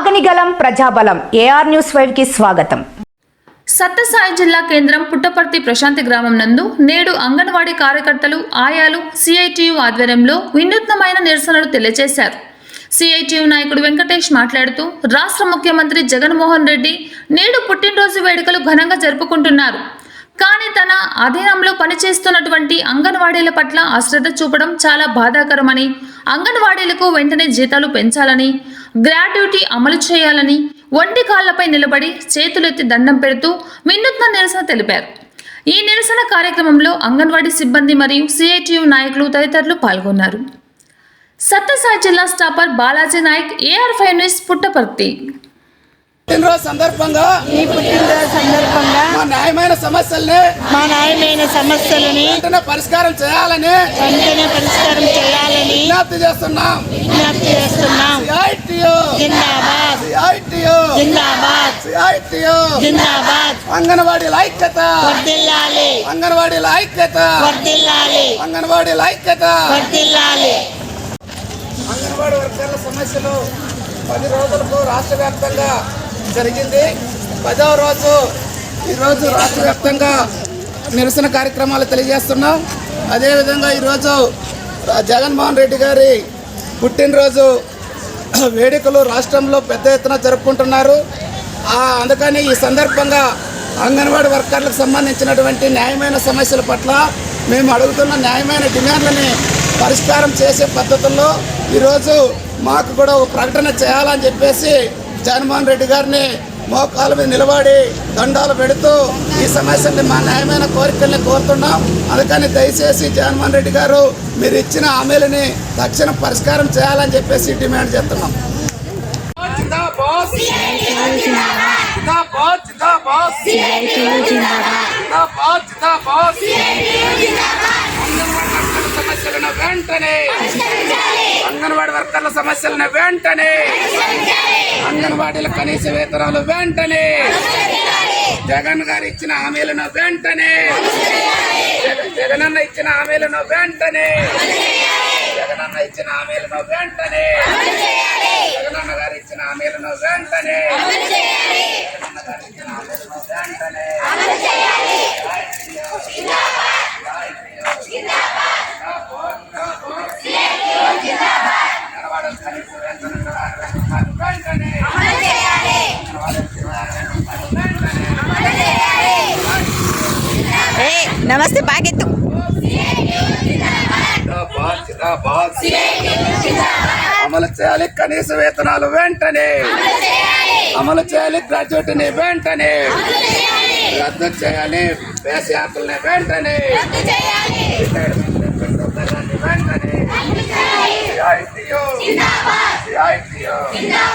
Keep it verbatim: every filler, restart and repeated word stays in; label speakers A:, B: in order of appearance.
A: ఆగనిగలం ప్రజాబలం AR news five కి స్వాగతం.
B: సత్యసాయి జిల్లా కేంద్రం పుట్టపర్తి ప్రశాంతి గ్రామం నందు నేడు అంగన్వాడీ కార్యకర్తలు ఆయాలు సిఐటియు ఆధ్వర్యంలో వినూత్నమైన నిరసనలు తెలియజేశారు. సిఐటియు నాయకుడు వెంకటేష్ మాట్లాడుతూ రాష్ట్ర ముఖ్యమంత్రి జగన్మోహన్ రెడ్డి నేడు పుట్టినరోజు వేడుకలు ఘనంగా జరుపుకుంటున్నారు. కానీ తన అధీనంలో పనిచేస్తున్నటువంటి అంగన్వాడీల పట్ల అశ్రద్ధ చూపడం చాలా బాధాకరమని, అంగన్వాడీలకు వెంటనే జీతాలు పెంచాలని, గ్రాట్యుటీ అమలు చేయాలని ఒంటి కాళ్లపై నిలబడి చేతులెత్తి దండం పెడుతూ వినూత్న నిరసన తెలిపారు. ఈ నిరసన కార్యక్రమంలో అంగన్వాడీ సిబ్బంది మరియు సిఐటియు నాయకులు తదితరులు పాల్గొన్నారు. సత్యసాయి జిల్లా staffer Balaji Naik, AR five news, Puttaparthi.
C: పుట్టినరోజు సందర్భంగా
D: ఈ పుట్టినరోజు సందర్భంగా
C: మా న్యాయమైన సమస్యల్ని
D: మా న్యాయమైన సమస్యలని
C: వెంటనే పరిష్కారం చేయాలని
D: వెంటనే పరిష్కారం చేయాలని
C: విజ్ఞప్తి చేస్తున్నాం.
D: విజ్ఞప్తి చేస్తున్నాం.
C: సిఐటియు
D: జిందాబాద్
C: సిఐటియు
D: జిందాబాద్
C: సిఐటియు
D: జిందాబాద్.
C: అంగన్వాడీల ఐక్యత
D: వర్ధిల్లాలి
C: అంగన్వాడీల ఐక్యత
D: వర్ధిల్లాలి
C: అంగన్వాడీల ఐక్యత
D: వర్ధిల్లాలి.
C: అంగన్వాడీ వర్కర్ల సమస్యలు పది రోజులకు రాష్ట్ర వ్యాప్తంగా జరిగింది. పదవ రోజు ఈరోజు రాష్ట్ర వ్యాప్తంగా నిరసన కార్యక్రమాలు తెలియజేస్తున్నాం. అదేవిధంగా ఈరోజు జగన్మోహన్ రెడ్డి గారి పుట్టినరోజు వేడుకలు రాష్ట్రంలో పెద్ద ఎత్తున జరుపుకుంటున్నారు. అందుకని ఈ సందర్భంగా అంగన్వాడీ వర్కర్లకు సంబంధించినటువంటి న్యాయమైన సమస్యల పట్ల మేము అడుగుతున్న న్యాయమైన డిమాండ్లని పరిష్కారం చేసే పద్ధతుల్లో ఈరోజు మాకు కూడా ఒక ప్రకటన చేయాలని చెప్పేసి జగన్మోహన్ రెడ్డి గారిని మోకాళ్ళ మీద నిలబడి దండాలు పెడుతూ ఈ సమస్యల్ని మా న్యాయమైన కోరికల్ని కోరుతున్నాం. అందుకని దయచేసి జగన్మోహన్ రెడ్డి గారు మీరు ఇచ్చిన హామీలని తక్షణం పరిష్కారం చేయాలని చెప్పేసి డిమాండ్ చేస్తున్నాం. సమస్యలను వెంటనే అంగన్వాడీ వర్కర్ల సమస్యలను వెంటనే అంగన్వాడీల కనీస వేతనాలు వెంటనే జగన్ గారు ఇచ్చిన హామీలను వెంటనే జగనన్న ఇచ్చిన హామీలను వెంటనే జగనన్న ఇచ్చిన హామీలను వెంటనే జగనన్న గారు ఇచ్చిన హామీలను వెంటనే జగనన్న గారు ఇచ్చిన హామీలను వెంటనే
D: నమస్తే బాగెత్తు.
C: అమలు చేయాలి కనీస వేతనాలు వెంటనే, అమలు చేయాలి గ్రాడ్యుయేట్ని వెంటనే, రద్దు చేయాలి బేస్ యాత్రల్ని వెంటనే, వెంటనే